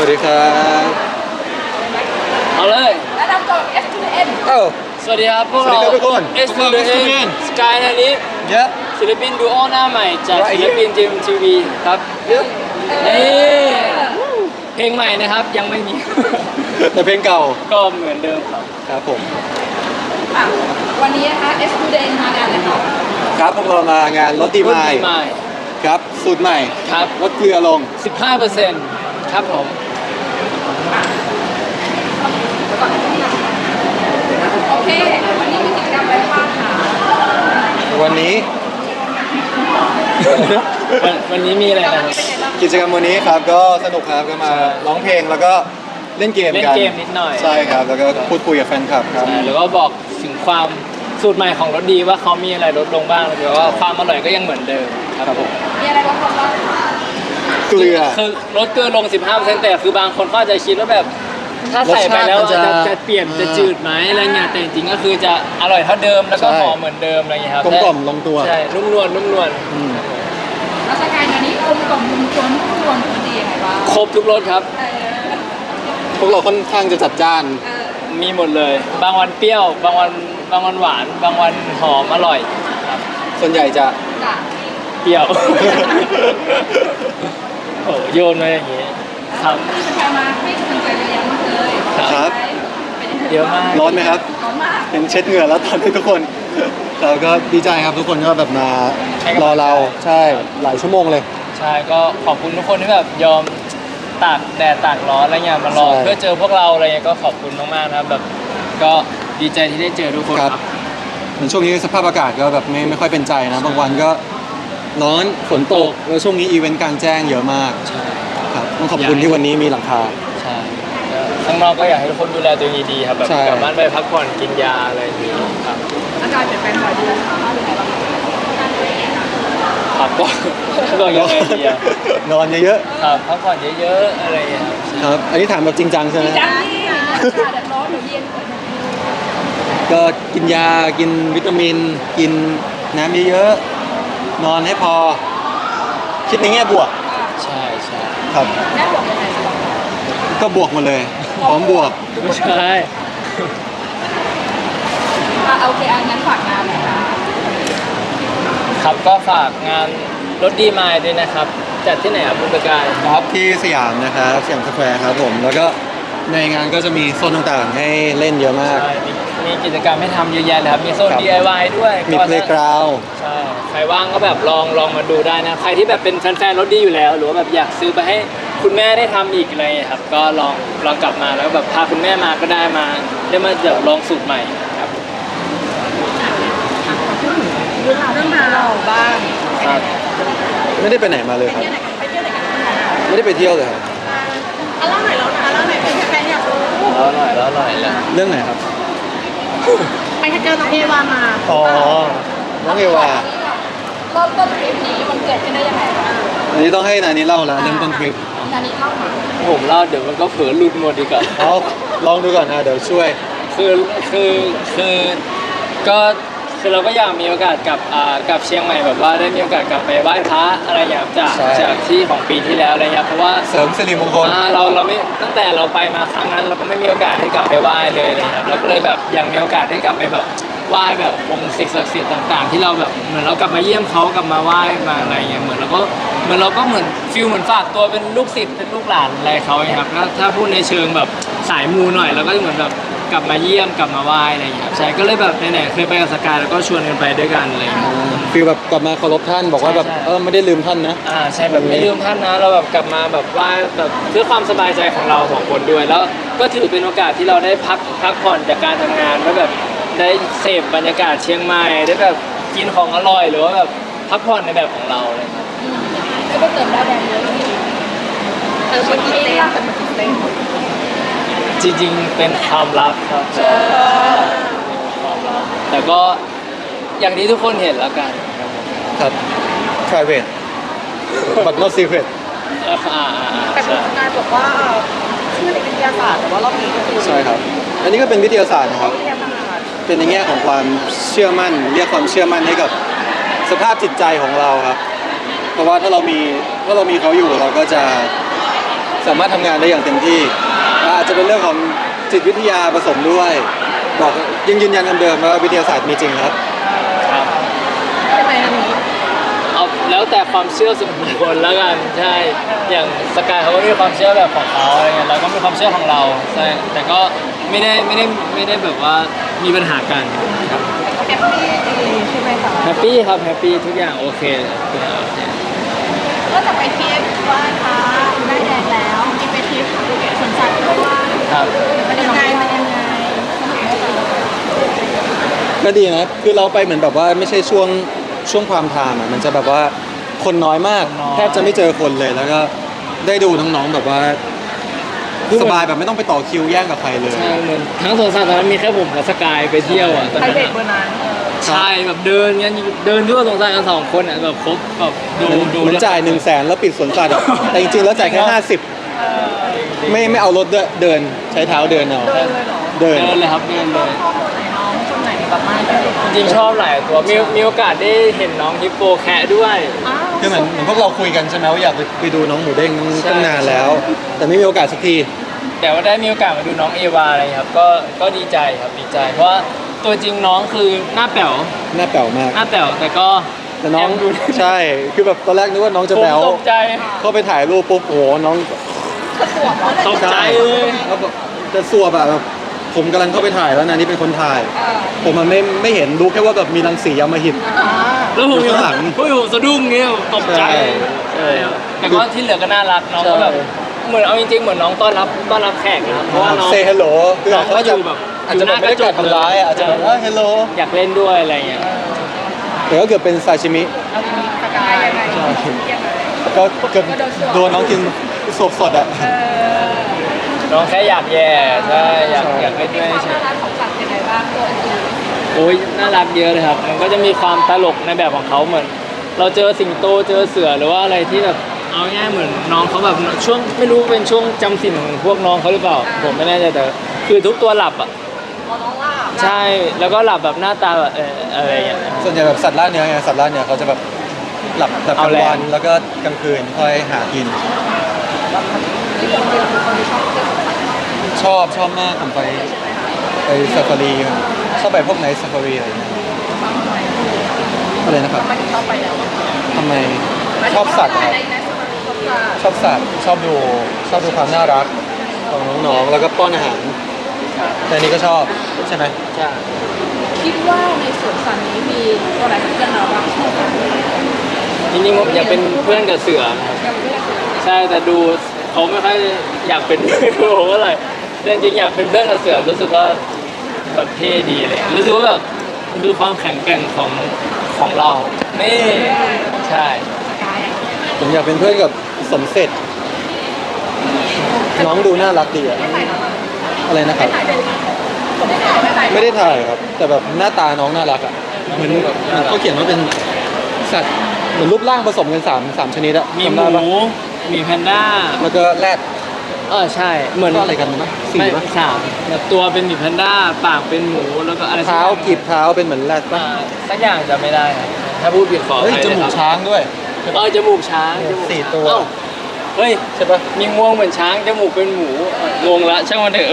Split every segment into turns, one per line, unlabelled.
ดีครับ
เอาเลย
และนำตัว S to the N
เอ้า
สวัสดีครับพวกเรา
สวัสดีครับทุกคน
S to the N Sky นานี้
เยอะ
ศิลปินดูโอหน้าใหม่จาก
Right
ศิลปินจีมทีวีครับ
เยอะ
นี่เพลงใหม่นะครับยังไม่มี
แต่เพลงเก่า
ก็เหมือนเดิมครับ
ครับผม
ค่ะวันนี้นะคะ S to the N มางานเลยค่ะ
ครับพวกเรามางานรถดีไมล์
ใหม่
ครับสูตรใหม่
ครับ
ลดเกลือลง
15%ครับผม
ก่อนที่จะโอเค วันนี้มีกิจกรรมอะไรบ้างคะ
วันนี้
วันนี้มีอะไร
วัน
นะ
นี้เป็นไงบ้าง
กิจกรรมวันนี้ครับก็สนุกครับก็มาร้องเพลงแล้วก็เล่นเกม
เล่น
กัน
เกมนิดหน่อย
ใช่ครับแล้วก็พูดคุยกับแฟนคลับครับ
ใช่แล้วก็บอกถึงความสูตรใหม่ของรสดีว่าเขามีอะไรลดลงบ้างแล้วก็ความอร่อยก็ยังเหมือนเดิมครับผม
มีอะไรบ้างบ้าง
เกลือ
คือลดเกลือลง 15%แต่คือบางคนก็อาจจะคิดว่าแบบถ้าใส่ไปแล้ว
รสชาติมันจะ
จะเปลี่ยนจะจืดไหมอะไรเงี้ยแต่จริงๆก็คือจะอร่อยเท่าเดิมแล้วก็
ใช่
หอมเหมือนเดิมอะไรเงี้ยครับ
กลมกล่อมลงตัว
ใช่นุ่มนวลนุ่มนวล
อืม
ราชการวันนี้กลมกล่อมมุมชนทุกคนดียังไงบ้าง
ครบทุกรสครับ
พวกเราค่อนข้างจะจัดจ้าน
มีหมดเลย บางวันเปรี้ยว บางวันหวาน บางวันหอมอร่อยครับ
ส่วนใหญ่จะ
จ้ะ
เปรี้ยว โอ้โยนมาอย่างงี้ครับ
มีแฟนมาให้กำลังใจเยอะแยะมากเลย
ครับ
เป็นยังไง
เยอะมาก
ร้อนไหมครับ
ร้อนมาก
เห็นเช็ดเหงื่อแล้วตอนนี้ทุกคนเราก็ดีใจครับทุกคนก็แบบมา
ให้กำลังใจ
รอเราใช่หลายชั่วโมงเลย
ใช่ก็ขอบคุณทุกคนที่แบบยอมตากแดดตากร้อนอะไรเงี้ยมารอ
ใช่
เพื่อเจอพวกเราอะไรเงี้ยก็ขอบคุณมากๆนะครับแบบก็ดีใจที่ได้เจอทุกคน
ค
ค
รั
รับ บ
เหมือนช่วงนี้สภาพอากาศก็แบบไม่ค่อยเป็นใจนะบางวันก็ร้อนฝนตกแล้วช่วงนี้อีเวนต์กลางแจ้งเยอะมาก
ใช่
ครับต้องขอบคุณที่วันนี้มีหลังคา
ใช่ข้างนอกก็อยากให้ทุกคนดูแลตัวเองดีๆครับแบบ
ใช่
กลับบ้านไปพักผ่อนกินยาอะไรอย่างนี้ครับ
อาการเปลี่ยนแปลงบ่อยดีนะคะเป็นไงบ้าง
พักก็ก็ยังไงดีอะ
นอนเยอะ
ครับพักผ่อนเยอะๆอะไรอย่างเงี้ยครับ
ๆครับ อันนี้ถามแบบจริงจังใช่ไหม
จังนี่แดดร้อนหรือเย็น
ก็กินยากินวิตามิน กินน้ำเยอะๆนอนให้พอ คิดในแง่บวก
ใช่ใช่
ครับ
แม่บอกยังไงบ้าง
ก็บวกหมดเลยพร้อมบวก
ไม่ใช่
โอเคงั้นฝากงานหน่อยค่ะ
ครับก็ฝากงานรถดีมายด้วยนะครับจัดที่ไหนครับคุณประกาย
ครับที่สยามนะครับสยามสแควร์ครับผม แล้วก็ในงานก็จะมีโซนต่างๆ ให้เล่นเยอะมาก
ใช่มีกิจกรรมให้ทำเยอะแยะเลยครับมีโซน
ครับ
DIY ด้วย
มี
ก็
เพลย์กราว
ใช่ใครว่างก็แบบลองมาดูได้นะใครที่แบบเป็นแฟนๆรถดีอยู่แล้ว หรือว่าแบบอยากซื้อไปให้คุณแม่ได้ทำอีกอะไรอย่างเงี้ยครับก็ลองกลับมาแล้วแบบพาคุณแม่มาก็ได้มาเดี๋ยวลองสูตรใหม่ครับ
เรื่องราวเราบ้าง
ครับ
ไม่ได้ไปไหนมาเลยครับ
ไปเที่ยวไหนกันบ้างคะ
ไม่ได้ไปเที่ยวเลยครับ
เล่าหน่อยแล้วนะเล่าหน่อยเป็นแฟนอยากรู้
แล้วอร่อยแล้ว
เรื่องไหนครับ
ไปเจอน้องเอวามา
อ๋อ น้องเอวา
เริ่มต้นทริปนี้มันเกิดขึ้นได้ยังไงคะ
อันนี้ต้องให้นานี้เล่าแล้วเริ่มต้นทริป
นานี้เล่ามา
ผมเล่าเดี๋ยวมันก็เผลอหลุดหมดอีกอะ
เอาลองดูก่อนนะเดี๋ยวช่วย
คือคือเราก็อยากมีโอกาสกับเชียงใหม่แบบว่าได้มีโอกาสกลับไปไหว้พระอะไรอย่างเงี้ย
ใช่
จากที่ของปีที่แล้วอะไรเงี้ยเพราะว่า
เสริมสิริมงคล
เราไม่ตั้งแต่เราไปมาครั้งนั้นเราก็ไม่มีโอกาสได้กลับไปไหว้เลยนะครับเราก็เลยแบบอยากมีโอกาสได้กลับไปแบบไหว้แบบองค์สิ่งศักดิ์สิทธิ์ต่างๆ ที่เราแบบเหมือนเรากลับมาเยี่ยมเขากลับมาไหว้มาอะไรเงี้ยเหมือนเราก็เหมือนฟิลเหมือนฝากตัวเป็นลูกศิษย์เป็นลูกหลานอะไรเขาอย่างเงี้ยครับถ้าพูดในเชิงแบบสายมูหน่อยเราก็จะเหมือนแบบกลับมาเยี่ยมกลับมาไหว้อะไรอย่างเงี้ยครับใช่ก็เลยแบบไหนๆเคยไปกับสกายแล้วก็ชวนกันไปด้วยกันอะไรอย่างเงี้ย
ฟีลแบบกลับมาเคารพท่านบอกว่าแบบ
ใช่
ไม่ได้ลืมท่านนะ
ใช่แบบไม่ลืมท่านนะเราแบบกลับมาแบบไหว้แบบเพื่อความสบายใจของเราสองคนด้วย แล้วก็ถือเป็นโอกาสที่เราได้พักผ่อนจากการทำงานแล้วแบบได้เสพบรรยากาศเชียงใหม่ได้แบบกินของอร่อยหรือว่าแบบพักผ่อนในแบบของเราเลยครับ
ก็ไปเติมดาวแดงเยอะเลยเติมมากี่เต้นเติมมากี่เต้น
จริงๆเป็นความลับครับแต่ก็อย่างที่ทุกคนเห็นแล้วกัน
ครับ private but not secret
แต่คุณ
ใช่
สกายบอกว่าชื่อในวิทยาศาสตร์แต่ว่ารอบนี้ก็คือ
ใช่ครับ อันนี้ก็เป็นวิทยาศาสตร์นะครับ
วิทยาศาสตร์
เป็นในแง่ของความเชื่อมั่น เรียกความเชื่อมั่นให้กับสภาพจิตใจของเราครับ เพราะว่าถ้าเรามีเขาอยู่เราก็จะสสามารถทำงานได้อย่างเต็มที่อาจจะเป็นเรื่องของจิตวิทยาผสมด้วยบอกยังยืนยันคำเดิมว่าวิทยาศาสตร์มีจริงครับ
ครับ
ใช่ไหมอันนี้
เอาแล้วแต่ความเชื่อส่วนบุคคลแล้วกันใช่อย่างสกายเขาก็มีความเชื่อแบบของเขาอะไรเงี้ยเราก็มีความเชื่อของเราใช่แต่ก็ไม่ได้แบบว่ามีปัญหากันครับ
แฮปปี้ดีใช่ไหมคะ
แฮปปี้ครับแฮปปี้ทุกอย่างโอเคทุกอย่างโอเค
ก็จะไปทริปไหว้พระได้แดงแล้วมีไปทริปสวนสัตว์ด้วย
ครับ
มันยังไงมันยังไงสนุกไหมคะ
ก็ดีนะคือเราไปเหมือนแบบว่าไม่ใช่ช่วงความไทม์อ่ะมันจะแบบว่าคนน้อยมากแทบจะไม่เจอคนเลยแล้วก็ได้ดูน้องๆแบบว่าสบายแบบไม่ต้องไปต่อคิวแย่งกับใครเลย
ใช่เหมือนทั้งสวนสัตว์ตอนนั้นมีแค่ผมกับสกายไปเที่ยวอ่ะตอน
ไพร
นั้น
เวท
อะ
เบอร์นั้น
ใช่แบบเดินงั้นเดินทั่วสวนสัตว์กัน2 คนอ่ะแบบครบแบบดู
เหมือนจ่าย100,000แล้วปิดสวนสัตว์อะแต่จริงๆแล้วจ่ายแค่50ไม่เอารถด้วยเดินใช้เท้าเดินเอา
เดินเลยเหรอ
เดิน
เดินเลยครับเดินเลย
ชอบตัวไหนน้องคนไหนแบบมากที่สุด
จริงๆชอบหลายตัวมีโอกาสได้เห็นน้องฮิปโปแคะด้วย
อ้าว
คือเหมือนพวกเราคุยกันใช่ไหมว่าอยากไปดูน้องหมูเด้ง
ใช่
ตั้งนานแล้ว แต่ไม่มีโอกาสสักที
แต่ว่าได้มีโอกาสมาดูน้องเอวาอะไรครับก็ดีใจครับดีใจ เพราะว่าตัวจริงน้องคือหน้าแป๋ว
หน้าแป๋วมาก
หน้าแป๋วแต่ก็
แต่น้อง
แอบดู
ใช่คือแบบตอนแรกนึกว่าน้องจะ
ผม
แป๋ว
ตกใจ
เข้าไปถ่ายรูปปุ๊บโอ้โหน้อง
กระสวมเหรอ
ตกใจ
ใช่
เลย
แล้วแบบจะสัวแบบผมกำลังเข้าไปถ่ายแล้วนะนี่เป็นคนถ่าย ผมมันไม่เห็นรู้แค่ว่าแบบมีรังสีอำมหิต
แล้วผม
อยู่ข้างหลัง
ผมสะดุ้งเงี้ยตกใจ
ใช่
ครับแต่ก็ที่เหลือก็น่ารักน้องก็แบบเหมือนเอาจริงๆเหมือนน้องต้อนรับแขกนะครับเพราะว่าน้อง
เซฮัลโหลคือ
น้อง
เขา
ก็
จะ
อยู่แบบ
อาจจะแบบไม่ได้กัดทำร้ายอะอาจจะแบบเฮลโหล
อยากเล่นด้วยอะไรเงี้ย
แต่ก็เกือบเป็นซาชิมิ
เอาทีนี้สกายยังไงยังไง
ก็เกือบโดนน้องกินสดๆอ่ะ
น้องแค่อยากแย่ใช่อยากเล่น
มี
ด้วย
ความ
เฉย
น่ารักของสัตว์ยังไงบ้างตัวอื่น
โอ้ยน่ารักเยอะเลยครับ มันก็จะมีความตลกในแบบของเขาเหมือน เราเจอสิงโตเจอเสือหรือว่าอะไรที่แบบเอาง่ายๆเหมือนน้องเขาแบบช่วงไม่รู้เป็นช่วงจำศีลของพวกน้องเขาหรือเปล่า ผมไม่แน่ใจแต่คือทุกตัวหลับอ่ะ
พอน้องล่า
ใช่แล้วก็หลับแบบหน้าตาแบบอะไรอย่างเงี้ย
ส่วนใหญ่แบบสัตว์ล่าเนื้อไงสัตว์ล่าเนื้อเขาจะแบบหลับกลา
เอา
ง
แรง
วันแล้วก็กลางคืนค่อยหากิน
ที่คนเดียวเป็นคนที่ชอบเที่ยวสัตว์
ชอบมากผมไปซาฟารีชอบไปพวกไนท์ซาฟารีอะไรเงี้ยอะไรนะครับ
ไม่ชอบไปแล้ว
ทำไมชอบสัตว์อะครับ
ในสมาชิกชอบสัตว์
ชอบสัตว์ชอบดูความน่ารักของน้องๆแล้วก็ป้อนอาหารแต่อันนี้ก็ชอบใช่ไหม
ใช่
คิดว่าในสวนสัตว์นี้มีตัวไหนเป็นเพื่อนเราบ้าง
จริงๆผมอยากเป็นเพื่อนกับเสือนะครับใช่แต่ดูเขาไม่ค่อยอยากเป็นเพื่อนกับผมเท่าไหร่แต่จริงๆอยากเป็นเพื่อนกับเสือรู้สึกว่าแบบเท่ดีเลยรู้สึกว่าแบบดูความแข็งแกร่งของเรานี่ใช่
ผมอยากเป็นเพื่อนกับสมเสร็จน้องดูน่ารักดีอะอะไรนะครับ ไม่ได้ถ่ายครับ แต่แบบหน้าตาน้องน่ารักอ่ะเหมือนเขาเขียนว่าเป็นสัตว์เหมือนรูปร่างผสมกันสามชนิดอะ
มี
จำ
ห
ได้ปะ
มูมีแพนด้า
แล้วก็แรด
ใช่เหมือน
ก็อะไรกันนะสี่
ไม่
ปะ
สามแบบตัวเป็นหมีแพนด้าปากเป็นหมูแล้วก็อะไรสัก
เท้า
อย่าง
กีบเท้าเป็นเหมือนแรดปะ
สักอย่างจะไม่ได้ครับถ้าพูดผิดขออ
เฮ้ย
ภัย
จ
เลย
มู
ค
ก
รับ
ช้างด้วย
จมูกช้างจมูก
สี่ตัว
เอ้าเฮ้ย
ใช่ปะ
มีงวงเหมือนช้างจมูกเป็นหมูงงละช่างมันเถอะ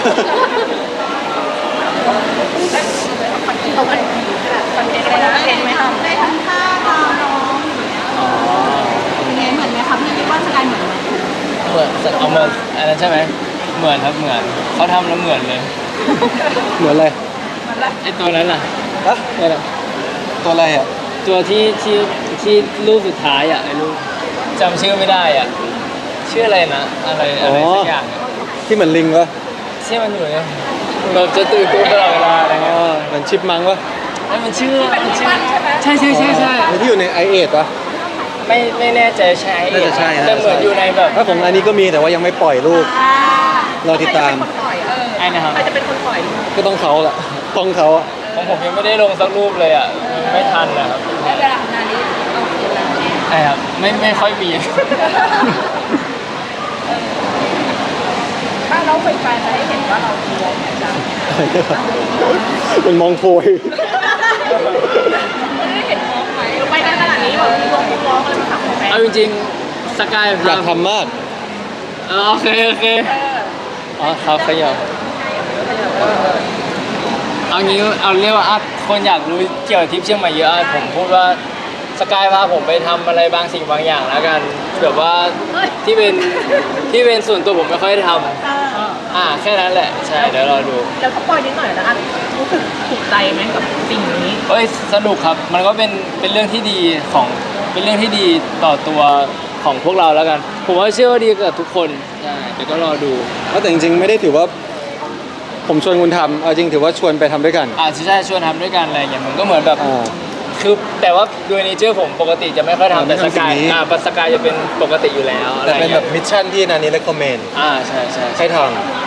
เอาไปคอนเทนต์อะไรนะเห็นไหมคะได้ทำท่าตามน้องเป็นไงเหมือนไหมคะพี่คิดว่าสกายเหมือนไหม
เหมือนเอาเหมือนอันนั้นใช่ไหมเหมือนครับเหมือนเขาทำแล้วเหมือนเลย
เหมือนอะไร
ไอตัวนั้นล่ะ
ฮะ
นี่แหละ
ตัวอะไรอ่ะ
ตัวที่รูปสุดท้ายอ่ะไอ้รูปจำชื่อไม่ได้อ่ะชื่ออะไรนะอะไรสักอย่างอะ
ที่เหมือนลิงปะ
ที่มันอยู่เนี่ยแบบจะตื่นตัวตลอดเวลาอะไรเงี้ย
เหมือนชิปมังปะ
นั่นมันชื่อใช่ใช่ใช่ใช่
ที่อยู่ในไอเอทปะ
ไม่แน่ใจใช่
น่าจะใช่นะ
แต่เหมือนอยู่ในแบบ
ถ้าของอันนี้ก็มีแต่ว่ายังไม่ปล่อยรูป เราติดตาม
ไอ้นะครับ
ใครจะเป็นคนปล่อย
ก็ต้องเขาแหละต้องเขาอะ
ของผมยังไม่ได้ลงสักรูปเลยอ่ะไม่ทันนะครับ
แล้วเวลาทำงานนี้เอาเวลา
ใช่ครับไม่ค่อยมี
ถ้าเราไปจะได้เห็นว่าเราคือวงไหนจ้ะ
มันมองโพย
ไม่ได้เห็นวงไหมไปได้ขนาดนี้แบบมีวงร้องอะไรมาถามของแฟน
เอาจริงๆสกาย
อยากทำมาก
เโอเคโอเคอ๋อครับขยับเอางี้เอาเรียกว่าคนอยากรู้เกี่ยวกับทริปเชียงใหม่เยอะผมพูดว่าสกายพาผมไปทำอะไรบางสิ่งบางอย่างแล้วกันแบบว่าที่เป็นส่วนตัวผมไม่ค่อยได้ทำแค่นั้นแหละใช่เดี๋ยวรอดู
แล้วก็ปล่อยนิดหน่อยนะรู้สึกถูกใจไหมกับสิ่งนี้
เอ้ยสนุกครับมันก็เป็นเรื่องที่ดีเป็นเรื่องที่ดีต่อตัวของพวกเราแล้วกันผมว่าเชื่อว่าดีกับทุกคนใช่เดี๋ยวก็รอดู
แต่จริงๆไม่ได้ถือว่าผมชวนคุณทำเอาจริงถือว่าชวนไปทำด้วยกัน
ใช่ชวนทำด้วยกันอะไรอย่างเงี้ยมันก็เหมือนแบบ
อ่า
คือแต่ว่าโดยเนเจอร์ผมปกติจะไม่ค่อยทำแต่
ไม่
ส
ทำสิ่
กาง ย
นี้
สกายจะเป็นปกติอยู่แล้วอะไร
แต่เป็น
เงี้
แบ
ย
บมิชชั่นที่นานี้ recommend
ใช่ใช่
ให้ท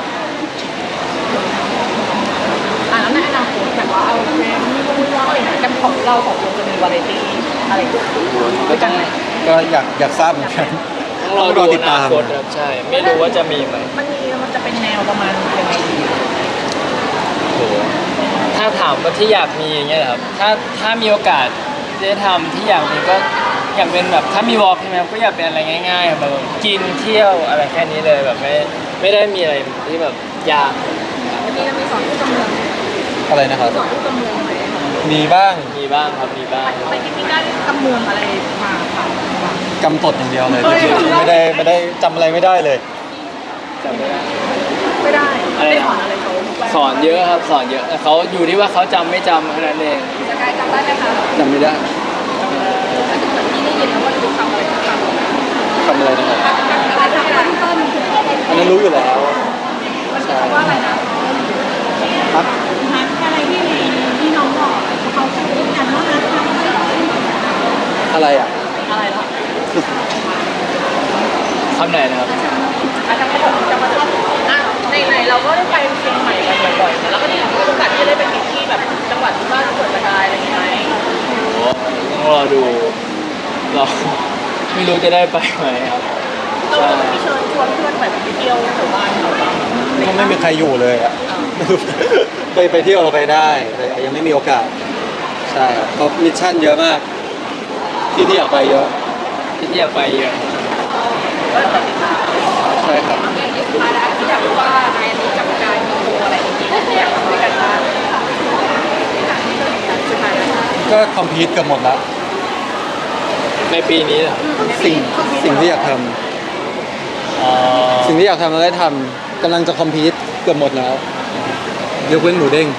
แล้วในอนาคตแบบว่าเอาเพลงรู้ว่าอะไรกันของเราของวงจะมีวาไรตี้อะไรด้วยกันไหม
ำก็อยากทราบเหมือนกัน
ต้องรอดูอนาคตครับใช่ไม่รู้ว่าจะมีไหม
มันจะเป็นแนวประมาณยังไงดี
โหถ้าถามว่าที่อยากมีอย่างเงี้ยเหรอครับถ้ามีโอกาสได้ทำที่อยากมีก็อยากเป็นแบบถ้ามีวอล์กใช่ไหมครับก็อยากเป็นอะไรง่ายๆแบบกินเที่ยวอะไรแค่นี้เลยแบบไม่ได้มีอะไรที่แบบยาก
วันนี้เรามีสอนที่กำเมือง
อะไรนะครับ
สอนที่กำเมืองไหม
มีบ้าง
มีบ้างครับมีบ้าง
ไปที่นี่ได้กำเมืองอะไรมาค่ะ
กำตดอย่างเดียวเลยจริงๆไม่ได้จำอะไรไม่ได้เลย
จำไม่ได้
ไม่ได้ได้สอนอะไรเขา
สอนเยอะครับสอนเยอะแต่เขาอยู่ที่ว่าเขาจำไม่จำเท่านั้นเอง
สกายจำได้ไหมคะ
จำไม่ได้
เหมือนที่ได้ยินแล้วว่าดูคำอะไรสักคำ
ทำอะไรนะครับ
อะไรสักคำต้น
อันนั้นรู้อยู่แล้ว
มันคือคำว่าอะไรนะครับ ฮัทอะไรที่น้องบอกเขาพูดกันว่าฮัท
อะไรอ่ะ
อะไรล่ะ
คำไหนนะครับ
อาจจะมาถึงไหนเราก็ได้ไปเชียงใหม่กันบ่อยๆแล้วก็มีโอกาสที่จะได้ไปทริปที่แบบจังหวัดที่บ้านสวนสกายอะไรอย่างเงี้ยไหม
โอ้ต้องรอดูเราไม่รู้จะได้ไปไหมครับ
เราจะไม่เชิญชวนเพื่อนไปเที่ยวแถวบ้านเราบ้าง
ก็ไม่มีใครอยู่เลยอ่ะไม่รู้ไปเที่ยวเราไปได้แต่ยังไม่มีโอกาสใช่ครับเพราะมิชชั่นเยอะมาก ที่อยากไปเยอะ
ที่อยากไปเยอะ
ก็แบบติดตาม
ใช่ครับ
มาแล้วที่อยากรู้ว่านายนี้กับการมีโชว์อะไรที่อยากทำด้วยกันบ้างสุดท้ายแล้ว
ก็คอมพิวต์เกือบหมดแล้ว
ในปีนี้เหรอ
สิ่งที่อยากทำ
อ๋อ
สิ่งที่อยากทำเราได้ทำกำลังจะคอมพิวต์เกือบหมดแล้วยกเว้นหมูเด้ง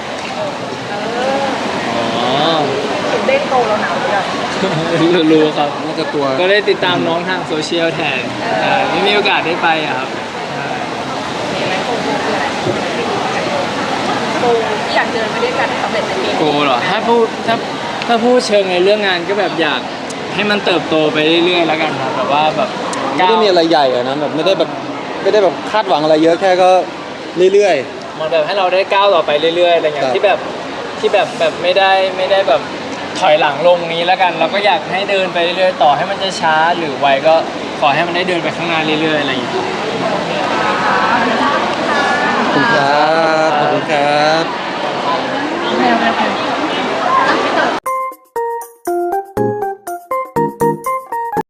อ๋อ
ถึงเด้งโตแล้วหนาวหรือยัง
รู้ครับ
น่าจะตัว
ก็ได้ติดตามน้องทางโซเชียลแทนไม่มีโอกาสได้ไปอะครับ
มีไหมโกคืออะไรโกที่อยากเจอไปด้วยกันให้สำเร็จในปี
โก
นี้
เหรอถ้าพูดเชิงในเรื่องงานก็แบบอยากให้มันเติบโตไปเรื่อยๆแล้วกันครับแบบว่าแบบ
ไม่ได้มีอะไรใหญ่อะนะแบบไม่ได้แบบคาดหวังอะไรเยอะแค่ก็เรื่อย
มันแบบให้เราได้ก้าวต่อไปเรื่อยๆอะไรเงี้
ครั
ย
บ
ที่แบบไม่ได้แบบถอยหลังลงนี้แล้วกัน เราก็อยากให้เดินไปเรื่อยๆต่อให้มันจะช้าหรือไวก็ขอให้มันได้เดินไปข้างหน้าเรื่อยๆอะไรอย่างเงี้ย
ๆขอบคุณครับขอบคุณครับ
แนว